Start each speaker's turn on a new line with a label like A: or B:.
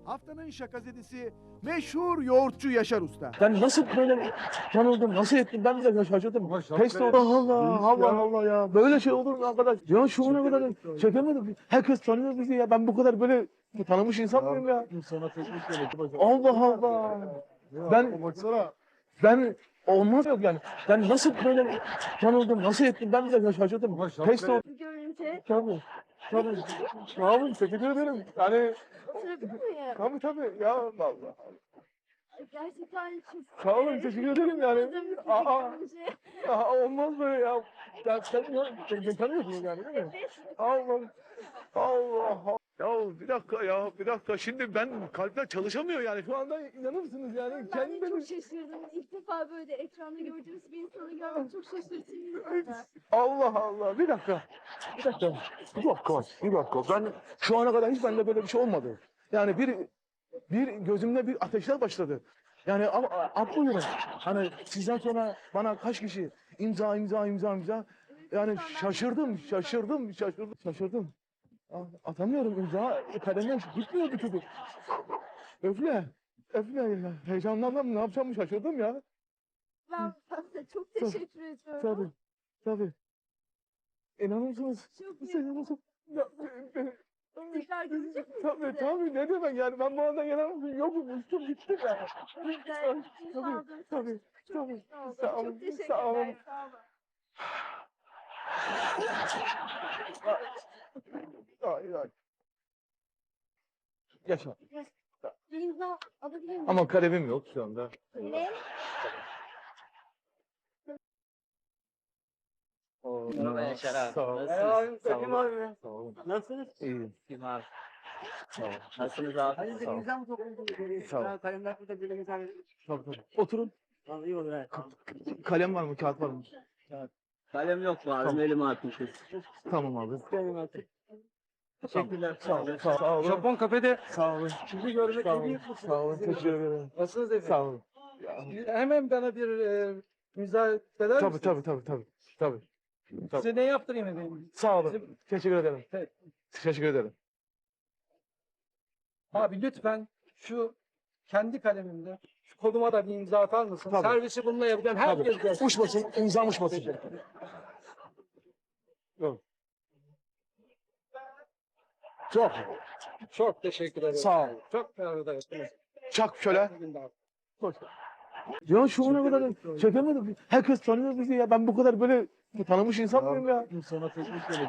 A: Haftanın şakazedisi meşhur yoğurtçu Yaşar Usta.
B: Ben nasıl böyle yanıldım, nasıl ettim ben de şaşırdım. Pes Allah Allah, Allah Allah ya. Böyle şey olur mu arkadaş? Ya şu ana kadar çekemedim. Herkes tanıyor bizi ya. Ben bu kadar böyle tanımış insan mıyım ya?
C: Sana teşekkür ederim.
B: Allah Allah. Ben olmaz yok yani. Ben nasıl böyle yanıldım, nasıl ettim ben de şaşırdım. Pes oldu.
D: Bu görünce
B: Tabii. Tabii. Sağ olun, teşekkür ederim. Yani
D: oturabilir miyim?
B: tabii ya vallahi.
D: Gerçekten çok...
B: Sağ olun, teşekkür ederim yani.
D: Tanıdığımız bir
B: Aa.
D: teknoloji.
B: Olmaz böyle ya. Sen tanıyorsun yani değil mi? Allah Allah. Ya bir dakika. Şimdi ben kalpler çalışamıyor yani. Şu anda inanır mısınız yani?
D: Ben de
B: Kendi benim...
D: çok şaşırdım. İlk defa böyle ekranda gördüğümüz bir insanı görmek çok şaşırtıcı.
B: Allah Allah. Bir dakika. Bir dakika. Ben şu ana kadar hiç bende böyle bir şey olmadı. Yani bir gözümde bir ateşler başladı. Yani atlıyorum. Hani sizden sonra bana kaç kişi imza. Yani şaşırdım. Atamıyorum imza. Kalemden gitmiyor bir türlü. Öfle ya. Heyecanlandım. Ne yapacağımı şaşırdım ya.
D: Ben size çok teşekkür ediyorum.
B: Tabii. İnanır mısınız?
D: Çok
B: Sen
D: memnunum.
B: nasıl? Ya,
D: Tekrar görecek miyiz sizi?
B: tabii. Ne demek yani? Ben bu arada yanarım. Yokum. Uçtum gittim ya.
D: Bizden keyif aldım.
B: Tabii.
D: Çok mutlu oldum.
B: Sağ olun,
D: Çok teşekkürler.
B: sağ olun.
D: Sağ olun.
B: Ay. Yaşa.
D: Bir imza alabilir miyim?
B: Ama kalemim yok şu anda.
D: Ne?
C: Merhaba Şeraf.
B: Sağ ol. Sağ olun.
C: Nasılsınız?
B: İyiyim.
C: Kim abi?
B: Sağ ol.
C: Nasılsınız abi?
B: Sağ ol.
C: İmza mı topladınız?
B: Sağ ol.
C: Kalemler burada böyle güzel.
B: Tabii. Oturun.
C: Vallahi iyi olur ha.
B: Kalem var mı? Kağıt var mı?
C: Kalem yok mu abi?
B: Tamam.
C: Elime atmışız.
B: Tamam abi.
C: Kalem attık. Teşekkürler.
B: Sağ olun.
C: Japon kafede
B: Sağ olun.
C: sizi görmek
B: Sağ
C: en
B: olun.
C: büyük mutluluk.
B: Sağ olun. Teşekkür ederim.
C: Nasılsınız efendim?
B: Sağ olun.
C: Hemen bana bir imza eder misiniz?
B: Tabii.
C: Size ne yaptırayım efendim?
B: Sağ olun. Teşekkür ederim.
C: Evet.
B: Teşekkür ederim.
E: Abi lütfen şu kendi kalemimle şu koluma da bir imza atar mısın?
B: Tabii.
E: Servisi bununla yapacağım. Herkes görsün.
B: Uçmasın, imzam uçmasın. Yok.
E: Çok teşekkür ederim.
B: Sağ ol.
E: Çok memnun ettiniz.
B: Çak şöyle.
E: İyi günler.
B: Ya şu ana kadar çekemedim. Herkes tanıyor bizi ya. Ben bu kadar böyle tanımış insan mıyım ya?
C: Sana teşekkür ederim.